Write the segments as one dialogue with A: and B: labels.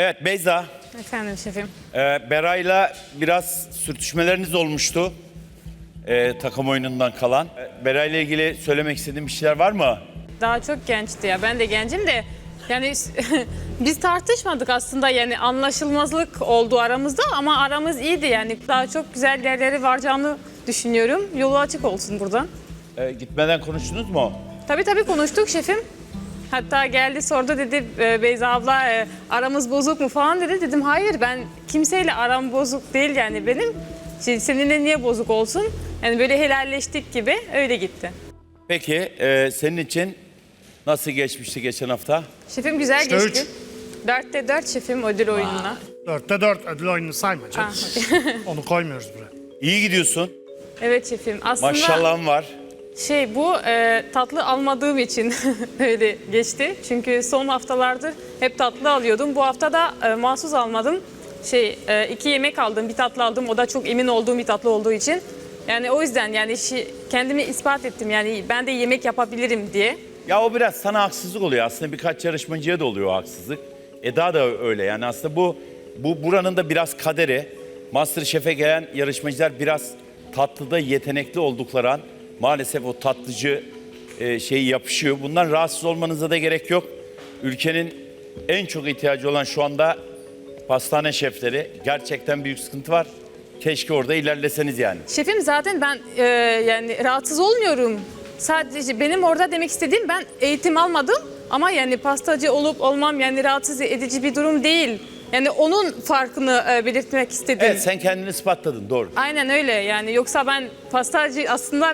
A: Evet Beyza,
B: Efendim şefim.
A: Beray'la biraz sürtüşmeleriniz olmuştu. Takım oyunundan kalan. Beray'la ilgili söylemek istediğin bir şeyler var mı?
B: Daha çok gençti ya. Ben de gencim de yani biz tartışmadık aslında, yani anlaşılmazlık oldu aramızda ama aramız iyiydi yani. Daha çok güzel yerlere varacağını düşünüyorum. Yolu açık olsun buradan.
A: Gitmeden konuştunuz mu?
B: Tabii konuştuk şefim. Hatta geldi sordu, dedi Beyza abla aramız bozuk mu falan dedi. Dedim hayır, ben kimseyle aram bozuk değil yani benim. Seninle niye bozuk olsun? Yani böyle helalleştik gibi, öyle gitti.
A: Peki senin için nasıl geçmişti geçen hafta?
B: Şefim güzel
C: İşte
B: geçti. 4'te 4 şefim ödül oyununa.
C: 4'te 4 ödül oyununu sayma canım. Onu koymuyoruz buraya.
A: İyi gidiyorsun.
B: Evet şefim. Aslında
A: Maşallahın var.
B: bu tatlı almadığım için öyle geçti. Çünkü son haftalardır hep tatlı alıyordum. Bu hafta da mahsus almadım. 2 yemek aldım, bir tatlı aldım. O da çok emin olduğum bir tatlı olduğu için. Yani o yüzden yani kendimi ispat ettim. Yani ben de yemek yapabilirim diye.
A: Ya o biraz sana haksızlık oluyor. Aslında birkaç yarışmacıya da oluyor o haksızlık. Eda da öyle yani. Aslında bu buranın da biraz kaderi. MasterChef'e gelen yarışmacılar biraz tatlıda yetenekli oldukları an maalesef o tatlıcı şeyi yapışıyor. Bundan rahatsız olmanıza da gerek yok. Ülkenin en çok ihtiyacı olan şu anda pastane şefleri. Gerçekten büyük sıkıntı var. Keşke orada ilerleseniz yani.
B: Şefim zaten ben yani rahatsız olmuyorum. Sadece benim orada demek istediğim, ben eğitim almadım ama yani pastacı olup olmam yani rahatsız edici bir durum değil. Yani onun farkını belirtmek istedim.
A: Evet, sen kendini ispatladın, doğru.
B: Aynen öyle yani, yoksa ben pastacı aslında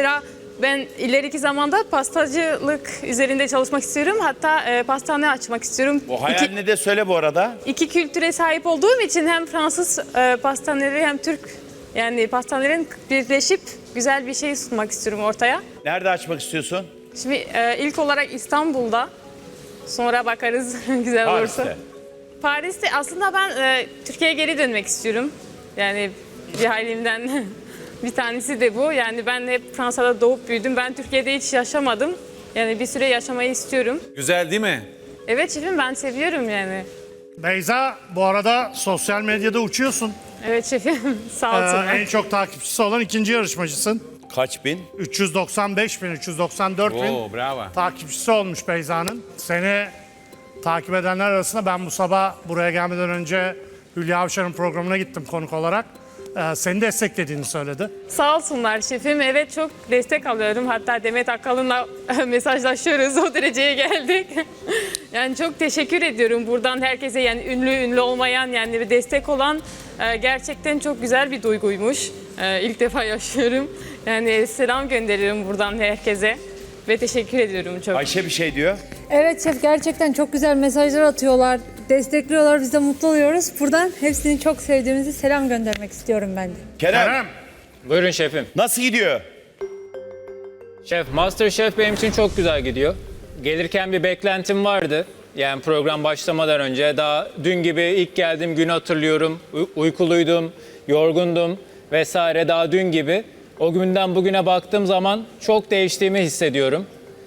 B: ben ileriki zamanda pastacılık üzerinde çalışmak istiyorum. Hatta pastane açmak istiyorum.
A: O hayalini de söyle bu arada.
B: İki kültüre sahip olduğum için hem Fransız pastaneleri hem Türk yani pastanelerin birleşip güzel bir şey sunmak istiyorum ortaya.
A: Nerede açmak istiyorsun?
B: Şimdi ilk olarak İstanbul'da, sonra bakarız güzel olursa.
A: Paris'te.
B: Paris'te aslında ben Türkiye'ye geri dönmek istiyorum. Yani bir halimden bir tanesi de bu. Yani ben hep Fransa'da doğup büyüdüm. Ben Türkiye'de hiç yaşamadım. Yani bir süre yaşamayı istiyorum.
D: Güzel değil mi?
B: Evet şefim, ben seviyorum yani.
C: Beyza, bu arada sosyal medyada uçuyorsun.
B: Evet şefim, sağ olsunlar.
C: En çok takipçisi olan ikinci yarışmacısın.
A: Kaç bin?
C: 395 bin, 394 bin
D: Oo, bravo.
C: takipçisi olmuş Beyza'nın. Seni takip edenler arasında ben bu sabah buraya gelmeden önce Hülya Avşar'ın programına gittim konuk olarak. Seni desteklediğini söyledi.
B: Sağ olsunlar şefim. Evet, çok destek alıyorum. Hatta Demet Akalın'la mesajlaşıyoruz. O dereceye geldik. Yani çok teşekkür ediyorum buradan herkese, yani ünlü olmayan yani bir destek olan, gerçekten çok güzel bir duyguymuş. İlk defa yaşıyorum. Yani selam gönderiyorum buradan herkese ve teşekkür ediyorum çok.
A: Ayşe bir şey diyor.
E: Evet şef, gerçekten çok güzel mesajlar atıyorlar, destekliyorlar, biz de mutlu oluyoruz. Buradan hepsini çok sevdiğimizi selam göndermek istiyorum ben de.
A: Kerem,
D: Buyurun şefim.
A: nasıl gidiyor?
D: Şef, MasterChef benim için çok güzel gidiyor. Gelirken bir beklentim vardı. Yani program başlamadan önce, daha dün gibi ilk geldiğim günü hatırlıyorum. Uykuluydum, yorgundum vesaire, daha dün gibi. O günden bugüne baktığım zaman çok değiştiğimi hissediyorum.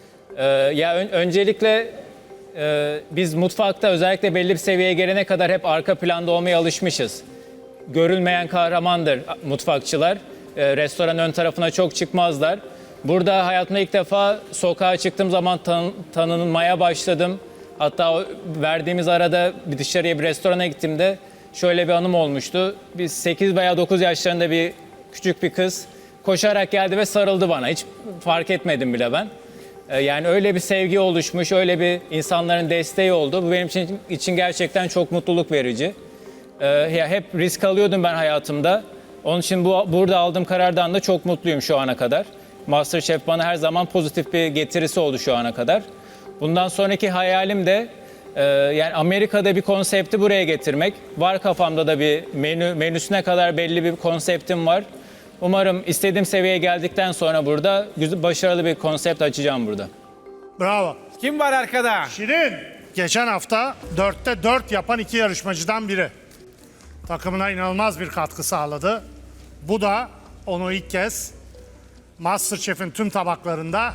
D: Öncelikle biz mutfakta özellikle belli bir seviyeye gelene kadar hep arka planda olmaya alışmışız. Görülmeyen kahramandır mutfakçılar. Restoran ön tarafına çok çıkmazlar. Burada hayatımda ilk defa sokağa çıktığım zaman tanınmaya başladım. Hatta verdiğimiz arada bir dışarıya bir restorana gittiğimde şöyle bir anım olmuştu. Biz 8 veya 9 yaşlarında bir küçük bir kız koşarak geldi ve sarıldı bana. Hiç fark etmedim bile ben. Yani öyle bir sevgi oluşmuş, öyle bir insanların desteği oldu. Bu benim için gerçekten çok mutluluk verici. Hep risk alıyordum ben hayatımda. Onun için burada aldığım karardan da çok mutluyum şu ana kadar. MasterChef bana her zaman pozitif bir getirisi oldu şu ana kadar. Bundan sonraki hayalim de yani Amerika'da bir konsepti buraya getirmek. Var kafamda da bir menüsüne kadar belli bir konseptim var. Umarım istediğim seviyeye geldikten sonra burada başarılı bir konsept açacağım burada.
C: Bravo.
D: Kim var arkada?
C: Şirin, geçen hafta 4'te 4 yapan iki yarışmacıdan biri. Takımına inanılmaz bir katkı sağladı. Bu da onu ilk kez MasterChef'in tüm tabaklarında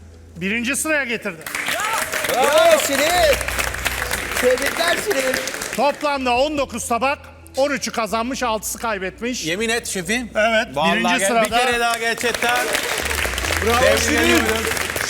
C: birinci sıraya getirdi.
F: Bravo Şirin. Tebrikler Şirin.
C: Toplamda 19 tabak, 13'ü kazanmış, 6'sı kaybetmiş.
F: Yemin et şefim.
C: Evet,
F: Vallahi
C: birinci
F: bir
C: sırada.
F: kere daha gerçekten.
C: Bravo
F: Tebrik
C: Şirin.
F: ediyoruz.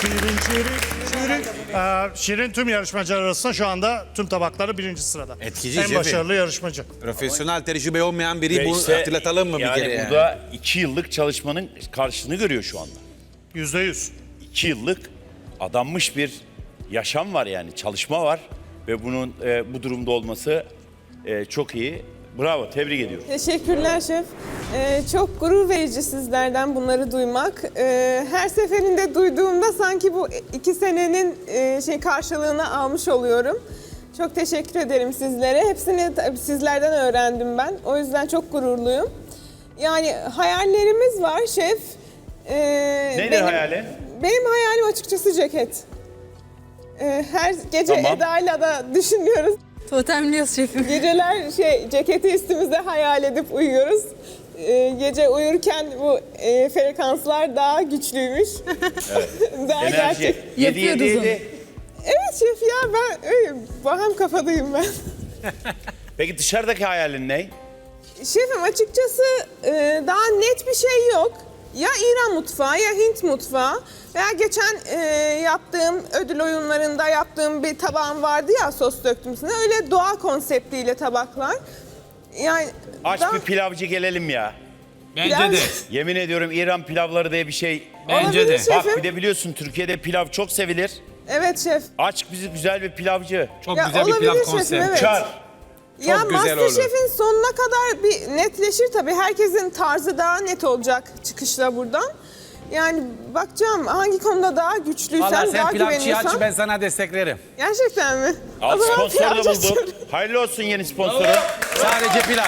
C: Şirin tüm yarışmacılar arasında şu anda tüm tabakları birinci sırada.
F: Etkici
C: En
F: şefim.
C: başarılı yarışmacı.
F: Profesyonel tecrübe olmayan biri
A: Ve
F: bu
A: işte
F: hatırlatalım mı bir
A: yani
F: kere? Yani?
A: burada 2 yıllık çalışmanın karşılığını görüyor şu anda.
C: %100.
A: 2 yıllık adanmış bir yaşam var yani çalışma var ve bunun bu durumda olması çok iyi. Bravo, tebrik ediyorum.
G: Teşekkürler şef. Çok gurur verici sizlerden bunları duymak. Her seferinde duyduğumda sanki bu 2 senenin karşılığını almış oluyorum. Çok teşekkür ederim sizlere. Hepsini tabii sizlerden öğrendim ben. O yüzden çok gururluyum. Yani hayallerimiz var şef.
A: Nedir hayalin?
G: Benim hayalim açıkçası ceket. Her gece
A: Tamam.
G: Eda'yla da düşünüyoruz.
E: Totemliyoruz şefim.
G: Geceler ceketi üstümüzde hayal edip uyuyoruz. Gece uyurken bu frekanslar daha güçlüymüş. Daha
A: Enerji.
G: gerçek.
A: 7-7-7.
G: Evet şef ya ben öyle baham kafadayım ben.
A: Peki dışarıdaki hayalin ne?
G: Şefim açıkçası daha net bir şey yok. Ya İran mutfağı ya Hint mutfağı. Veya geçen yaptığım ödül oyunlarında yaptığım bir tabağım vardı ya sos döktüm üstüne. Öyle doğa konseptiyle tabaklar. Yani
A: Aç
G: daha-
A: bir pilavcı gelelim ya.
F: Bence
G: Biraz-
F: de.
A: Yemin ediyorum İran pilavları diye bir şey.
F: Bence de.
G: Olabilir
A: Bak
G: şefim.
A: bir de biliyorsun Türkiye'de pilav çok sevilir.
G: Evet şef.
A: Aç bizi güzel bir pilavcı.
F: Çok
G: Ya
F: güzel bir
G: olabilir
F: pilav
G: şefim,
F: konsepti.
G: evet.
A: Çar.
G: Ya
F: güzel olur.
G: Masterchef'in sonuna kadar bir netleşir tabii. Herkesin tarzı daha net olacak çıkışla buradan. Yani bakacağım hangi konuda daha güçlüysem,
F: Valla sen
G: daha
F: pilavçıyı
G: güveniyorsam.
F: aç ben sana desteklerim.
G: Gerçekten mi?
A: Al
G: O zaman
A: sponsor da
G: pilavcı
A: bulduk.
G: açıyorum.
A: Hayırlı olsun yeni sponsoru.
F: Sadece pilav.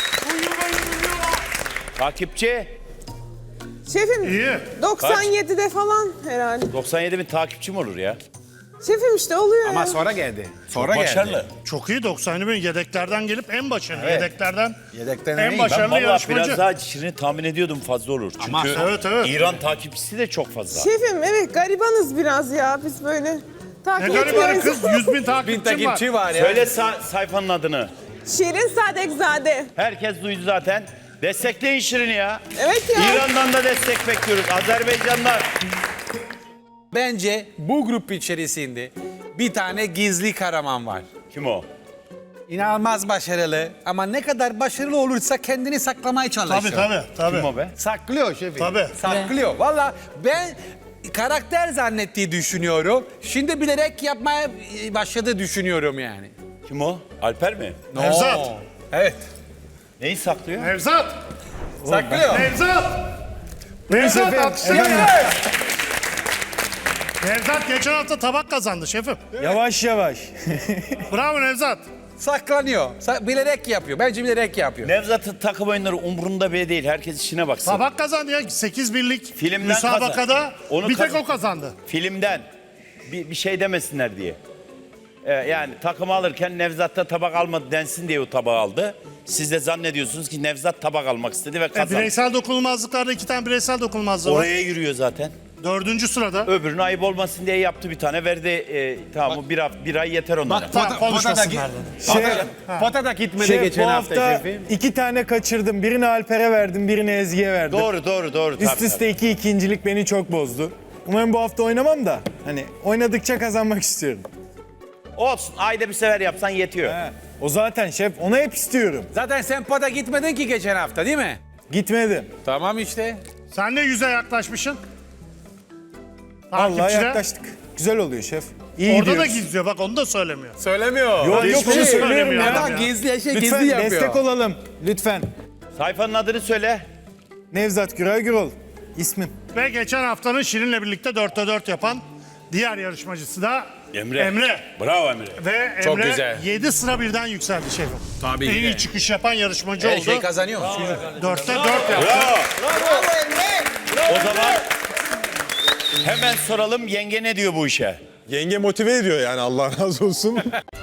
A: Takipçi.
G: Şefim
C: İyi.
G: 97'de falan herhalde.
A: 97 bin takipçi mi olur ya?
G: Şefim işte oluyor
F: Ama
G: ya.
F: sonra geldi. Sonra
A: Başarılı.
F: geldi.
C: Çok iyi, 90 bin yedeklerden gelip en başarılı. Yedeklerden
F: Yedekten
C: en
F: iyi.
C: başarılı
A: Ben vallahi
C: yarışmacı.
A: biraz daha Şirin'i tahmin ediyordum fazla olur. Çünkü
F: Ama-
C: Evet, evet.
A: İran takipçisi de çok fazla.
G: Şefim evet garibanız biraz ya biz böyle
C: Ne
G: takip
C: garibanı
G: etmiyoruz.
C: kız, 100 bin
F: Bin
C: takipçim var.
F: takipçi var ya.
A: Söyle sayfanın adını.
G: Şirin Sadekzade.
A: Herkes duydu zaten. Destekleyin Şirin'i ya.
G: Evet ya.
A: İran'dan da destek bekliyoruz. Azerbaycanlar.
F: Bence bu grup içerisinde bir tane gizli kahraman var.
A: Kim o?
F: İnanılmaz başarılı ama ne kadar başarılı olursa kendini saklamaya çalışıyor.
C: Tabii.
A: Kim o be?
F: Saklıyor şefim.
C: Tabii.
F: Saklıyor. Valla ben karakter zannettiği düşünüyorum. Şimdi bilerek yapmaya başladı düşünüyorum yani.
A: Kim o? Alper mi?
C: Nevzat.
F: Oo. Evet.
A: Neyi saklıyor?
C: Nevzat.
F: Saklıyor.
C: Nevzat. Nevzat alkışlayın. Nevzat geçen hafta tabak kazandı şefim.
H: Yavaş yavaş.
C: Bravo Nevzat.
F: Saklanıyor. Bilerek yapıyor. Bence bilerek yapıyor.
A: Nevzat'ın takım oyunları umurunda bile değil. Herkes işine baksın.
C: Tabak kazandı ya. 8 birlik
A: Filmden
C: müsabakada
A: kazan. Onu
C: bir tek
A: kazan.
C: o kazandı.
A: Filmden bir şey demesinler diye. Yani takım alırken Nevzat da tabak almadı densin diye o tabağı aldı. Siz de zannediyorsunuz ki Nevzat tabak almak istedi ve kazandı.
C: Bireysel dokunulmazlıklarda 2 tane bireysel dokunulmazlığı var.
A: Oraya yürüyor zaten.
C: 4. sırada.
A: Öbürünün ayıp olmasın diye yaptı bir tane. Verdi tamam bir ay yeter onlara.
F: Bak
C: Tamam, konuşmasınlar dedi.
F: Pota da gitmedi
H: Şef,
F: geçen
H: bu
F: hafta
H: hafta
F: şefim.
H: 2 tane kaçırdım. Birini Alper'e verdim, birini Ezgi'ye verdim.
A: Doğru.
H: Üst
A: tabii,
H: üste 2 ikincilik beni çok bozdu. Umarım bu hafta oynamam da hani oynadıkça kazanmak istiyorum.
A: tabii. Olsun ayda bir sefer yapsan yetiyor.
H: He. O zaten şef, onu hep istiyorum.
F: Zaten sen pota gitmedin ki geçen hafta değil mi?
H: Gitmedim.
F: Tamam işte.
C: Sen de 100'e yaklaşmışsın.
H: Vallahi
C: Takipçide.
H: yaklaştık. Güzel oluyor şef. İyi
C: Orada da
H: gidiyoruz.
C: gizliyor bak onu da söylemiyor.
F: Söylemiyor.
H: Yok
C: Hiçbir
H: yok
C: şey
H: onu söylüyorum
C: söylemiyor
H: ya.
C: adam
F: Ama gizli
H: Lütfen
F: gizli yapıyor.
H: destek olalım. Lütfen.
A: Sayfanın adını söyle.
H: Nevzat Güray Gürol. İsmim.
C: Ve geçen haftanın Şirin'le birlikte 4'te 4 yapan diğer yarışmacısı da
A: Emre. Bravo Emre.
C: Ve
F: Çok
C: Emre
F: güzel.
C: 7 sıra birden yükseldi şefim.
F: Tabii
C: En
F: ki de.
C: iyi çıkış yapan yarışmacı
F: Her
C: oldu.
F: şey kazanıyor.
C: 4'te 4 yaptı.
A: Bravo. O zaman hemen soralım yenge ne diyor bu işe?
I: Yenge motive ediyor yani Allah razı olsun.